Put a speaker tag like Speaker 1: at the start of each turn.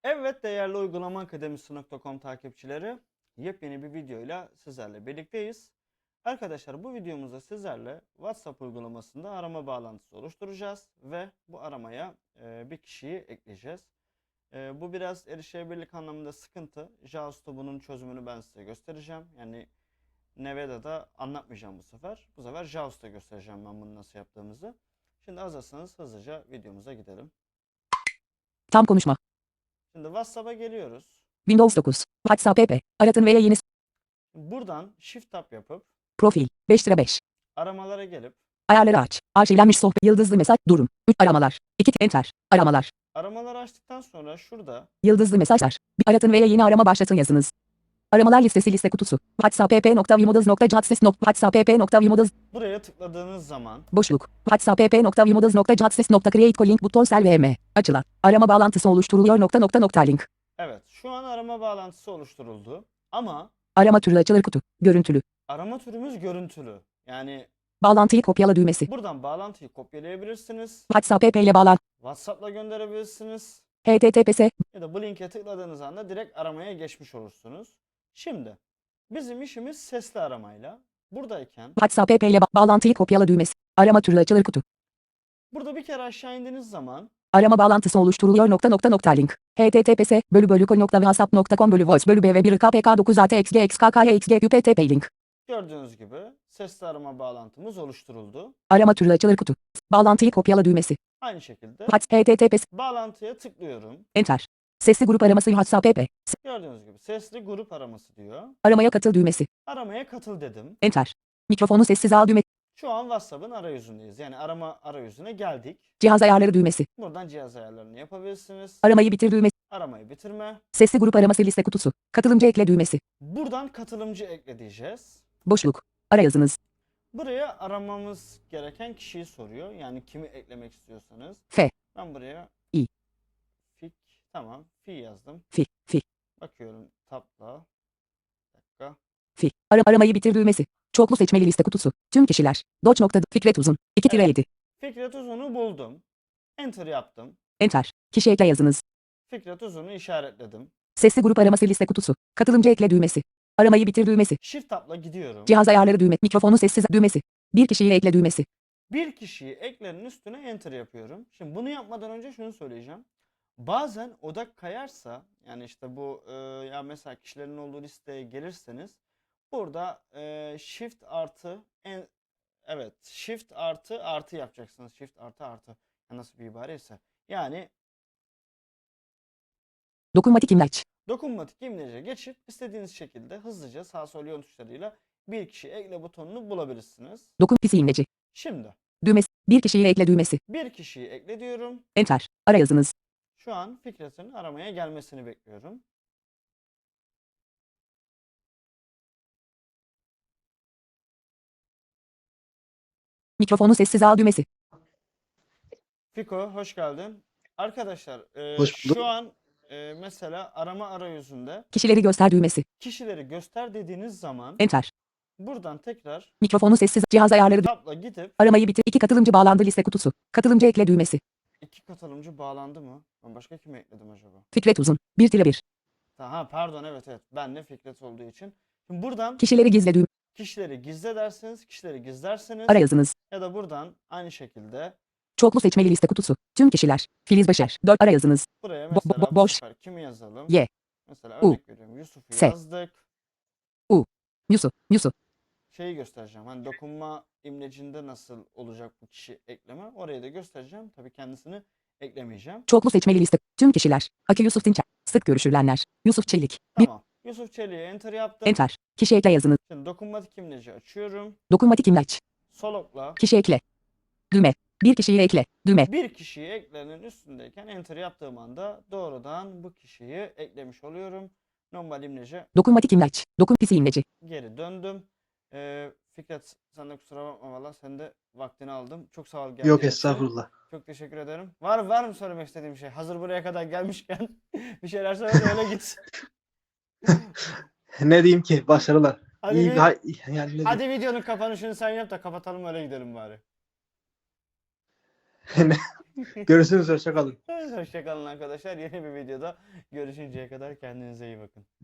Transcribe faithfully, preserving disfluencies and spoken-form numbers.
Speaker 1: Evet değerli uygulama akademisi nokta com takipçileri, yepyeni bir videoyla sizlerle birlikteyiz. Arkadaşlar bu videomuzda sizlerle WhatsApp uygulamasında arama bağlantısı oluşturacağız ve bu aramaya e, bir kişiyi ekleyeceğiz. E, bu biraz erişebilirlik anlamında sıkıntı. JavaScript'ta bunun çözümünü ben size göstereceğim. Yani Neveda'da anlatmayacağım bu sefer. Bu sefer JavaScript'ta göstereceğim ben bunu nasıl yaptığımızı. Şimdi hazırsanız hızlıca videomuza gidelim.
Speaker 2: Tam konuşma.
Speaker 1: Şimdi WhatsApp'a geliyoruz.
Speaker 2: Windows dokuz. WhatsApp app. Aratın veya yeni
Speaker 1: Buradan Shift Tab yapıp
Speaker 2: profil. beş lira beş.
Speaker 1: aramalara gelip
Speaker 2: Ayarları aç. Arşivlenmiş sohbet. Yıldızlı mesaj. Durum. üç aramalar. iki enter. Aramalar.
Speaker 1: aramaları açtıktan sonra şurada
Speaker 2: Yıldızlı mesajlar. Bir aratın veya yeni arama başlatın yazınız. Aramalar listesi liste kutusu. WhatsApp app nokta vimodaz nokta jadses nokta WhatsApp app nokta vimodaz
Speaker 1: buraya tıkladığınız zaman
Speaker 2: boşluk. WhatsApp app nokta vimodaz nokta jadses nokta create link buton sel vm. Açılan. Arama bağlantısı oluşturuluyor nokta nokta nokta link.
Speaker 1: evet şu an arama bağlantısı oluşturuldu ama
Speaker 2: Arama türü açılır kutu. Görüntülü.
Speaker 1: arama türümüz görüntülü. Yani
Speaker 2: Bağlantıyı kopyala düğmesi.
Speaker 1: buradan bağlantıyı kopyalayabilirsiniz.
Speaker 2: WhatsApp app ile bağlan.
Speaker 1: WhatsApp'la gönderebilirsiniz.
Speaker 2: H T T P S.
Speaker 1: Ya da bu linke tıkladığınız anda direkt aramaya geçmiş olursunuz. Şimdi bizim işimiz sesli aramayla. Buradayken
Speaker 2: WhatsApp app ile ba- bağlantıyı kopyala düğmesi. Arama türü açılır kutu.
Speaker 1: burada bir kere aşağı indiğiniz zaman
Speaker 2: Arama bağlantısı oluşturuluyor nokta nokta nokta link. H T T P S bölü bölü kol nokta whatsapp nokta com bölü voice bölü b v bir k p k dokuz a t x g x k k x g q p t p link.
Speaker 1: gördüğünüz gibi sesli arama bağlantımız oluşturuldu.
Speaker 2: Arama türü açılır kutu. Bağlantıyı kopyala düğmesi.
Speaker 1: Aynı şekilde
Speaker 2: WhatsApp H T T P S
Speaker 1: bağlantıya tıklıyorum.
Speaker 2: enter. Sesli grup araması WhatsApp app. S-
Speaker 1: Gördüğünüz gibi sesli grup araması diyor.
Speaker 2: Aramaya katıl düğmesi.
Speaker 1: Aramaya katıl dedim.
Speaker 2: Enter. Mikrofonu sessiz al düğmesi.
Speaker 1: Şu an WhatsApp'ın arayüzündeyiz. Yani arama arayüzüne geldik.
Speaker 2: Cihaz ayarları düğmesi.
Speaker 1: Buradan cihaz ayarlarını yapabilirsiniz.
Speaker 2: Aramayı bitir düğmesi.
Speaker 1: Aramayı bitirme.
Speaker 2: Sesli grup araması liste kutusu. Katılımcı ekle düğmesi.
Speaker 1: Buradan katılımcı ekle diyeceğiz.
Speaker 2: Boşluk. Ara yazınız.
Speaker 1: Buraya aramamız gereken kişiyi soruyor. Yani kimi eklemek istiyorsanız.
Speaker 2: F.
Speaker 1: Ben buraya
Speaker 2: İ.
Speaker 1: Fik. Tamam. Fi yazdım.
Speaker 2: Fi. Fi.
Speaker 1: Bakıyorum tabla. Bir dakika.
Speaker 2: Fi. Ara aramayı bitir düğmesi. Çoklu seçmeli liste kutusu. Tüm kişiler. Doç. nokta Fikret Uzun. iki tire yedi.
Speaker 1: Fikret Uzun'u buldum. Enter yaptım.
Speaker 2: Enter. Kişi ekle yazınız.
Speaker 1: Fikret Uzun'u işaretledim.
Speaker 2: Sesli grup araması liste kutusu. Katılımcı ekle düğmesi. Aramayı bitir düğmesi.
Speaker 1: Shift tabla gidiyorum.
Speaker 2: Cihaz ayarları düğme. Mikrofonu sessiz düğmesi. Bir kişiyi ekle düğmesi.
Speaker 1: Bir kişiyi eklenin üstüne enter yapıyorum. Şimdi bunu yapmadan önce şunu söyleyeceğim. Bazen odak kayarsa yani işte bu e, ya mesela kişilerin olduğu listeye gelirseniz burada e, shift artı en, evet shift artı artı yapacaksınız. Shift artı artı. Ya nasıl bir ibareyse. Yani
Speaker 2: Dokunmatik imleç.
Speaker 1: dokunmatik imlece geçip istediğiniz şekilde hızlıca sağ sol yön tuşlarıyla bir kişi ekle butonunu bulabilirsiniz.
Speaker 2: Dokun pisi imleci.
Speaker 1: Şimdi
Speaker 2: Düğmesi. Bir kişiyi ekle düğmesi.
Speaker 1: bir kişiyi ekle diyorum.
Speaker 2: Enter. Ara yazınız.
Speaker 1: Şu an Fikret'in aramaya gelmesini bekliyorum.
Speaker 2: Mikrofonu sessiz al düğmesi.
Speaker 1: Fiko hoş geldin. Arkadaşlar e,
Speaker 3: Hoş bulduk.
Speaker 1: şu an e, mesela arama arayüzünde
Speaker 2: Kişileri göster düğmesi.
Speaker 1: kişileri göster dediğiniz zaman
Speaker 2: Enter.
Speaker 1: buradan tekrar
Speaker 2: Mikrofonu sessiz. Cihaz ayarları. dü-
Speaker 1: tabla gidip
Speaker 2: Aramayı bitir. İki katılımcı bağlandı liste kutusu. Katılımcı ekle düğmesi.
Speaker 1: iki katılımcı bağlandı mı? Ben başka kimi ekledim acaba?
Speaker 2: Fikret Uzun. bir tire bir.
Speaker 1: Ha pardon evet evet ben de Fikret olduğu için. Şimdi buradan
Speaker 2: Kişileri gizle düğme.
Speaker 1: kişileri gizle dersiniz, kişileri gizlersiniz
Speaker 2: Ara yazınız.
Speaker 1: ya da buradan aynı şekilde
Speaker 2: Çoklu seçmeli liste kutusu. Tüm kişiler. Filiz Başar. dört ara yazınız.
Speaker 1: buraya
Speaker 2: Bo- bo-
Speaker 1: mesela bu
Speaker 2: boş.
Speaker 1: sefer kimi yazalım?
Speaker 2: Y.
Speaker 1: Mesela
Speaker 2: U.
Speaker 1: örnek veriyorum Yusuf'u
Speaker 2: S.
Speaker 1: yazdık.
Speaker 2: Yusuf. Yusuf.
Speaker 1: Şeyi göstereceğim. Hani dokunma imlecinde nasıl olacak bu kişi ekleme. Orayı da göstereceğim. Tabii kendisini eklemeyeceğim.
Speaker 2: Çoklu seçmeli liste. Tüm kişiler. Aki Yusuf Dinçer. Sık görüşülenler. Yusuf Çelik. Bir.
Speaker 1: Tamam. Yusuf Çelik'e enter yaptım.
Speaker 2: Enter. Kişi ekle yazınız.
Speaker 1: Şimdi dokunmatik imleci açıyorum.
Speaker 2: Dokunmatik imleç.
Speaker 1: Sol okla
Speaker 2: Kişi ekle. Düğme. Bir kişiyi ekle. Düğme.
Speaker 1: bir kişiyi eklenin üstündeyken enter yaptığım anda doğrudan bu kişiyi eklemiş oluyorum. Normal imlece
Speaker 2: Dokunmatik imleç. Dokun pisi imleci.
Speaker 1: geri döndüm. Ee, Fikret sen de kusura bakma valla sen de vaktini aldım. Çok sağ ol geldiğin
Speaker 3: Yok
Speaker 1: için.
Speaker 3: estağfurullah.
Speaker 1: Çok teşekkür ederim. Var var mı söylemek istediğim şey? Hazır buraya kadar gelmişken bir şeyler söyle de öyle git.
Speaker 3: Ne diyeyim ki? Başarılar.
Speaker 1: Hadi
Speaker 3: İyi
Speaker 1: bir-
Speaker 3: bir hay- yani ne diyeyim?
Speaker 1: Hadi videonun kapanışını sen yap da kapatalım öyle gidelim bari.
Speaker 3: Görüşürüz. Hoşça kalın.
Speaker 1: Hoşçakalın arkadaşlar. Yeni bir videoda görüşünceye kadar kendinize iyi bakın.